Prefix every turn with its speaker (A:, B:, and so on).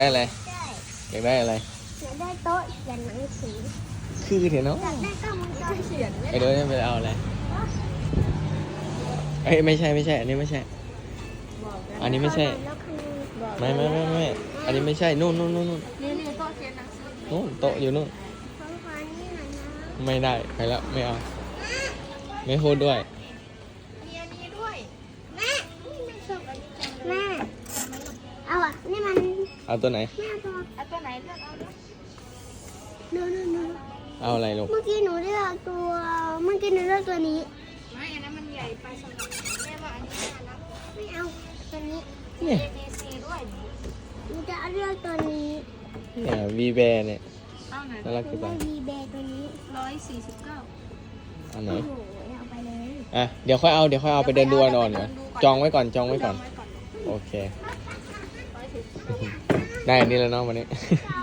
A: ได้อะไร
B: ได้
A: อยากได้อะไร
B: อยากได้โต๊ะเขียนหนังสือ
A: คือเถอะเนาะ
B: อยากได้กล้องวงจรปิด
A: ไอเดี๋ยวจะไปเอาอะไรเอ้ยไม่ใช่อันนี้ไม่ใช่ อันนี้ไม่ใช่
B: แล้วคือบอก
A: ไม่อันนี้ไม่ใช่นู่น
C: นี่โต๊ะเขียนหนังสือ
A: นู่นโต๊ะอยู่นู่น
B: ของขวัญนี่หน่อยนะ
A: ไม่ได้ไปแล้วไม่เอาไม่พูดด้วย
C: มีอันนี้ด้วย
B: แม่ไม่ชอบอันนี้จังเลยแม่เอาอ่ะนี่มัน
A: เอาตัวไหน
B: แม่ตัว
C: เอาตัวไหนเลือกเอาเลย
B: นู
A: เอาอะไรลูก
B: เมื่อกี้หนูเลือกตัวเมื่อกี้หนูเลือกตัวนี้
C: ไม่อันนั้นมันใหญ่ไปสำหรับแม่ว่าอันนี้น่ารัก
B: ไม่เอาตัวนี้
A: เนี่ย
C: ABC ด้วย
B: หนูจะเลือกตัวนี้
A: เนี่ยวีแบร์เนี่ย
C: เอาไหน
A: น่ารัก
B: หนู
A: จัง
B: ได้วีเบย์ตัวนี้
C: 149
A: อันไหน
B: โอ้โหเอาไปเลย
A: อ่ะเดี๋ยวค่อยเอาไปเดินดูก่อนจองไว้ก่อนโอเค ได้อันนี้แล้วเนาะวันนี้
B: เอา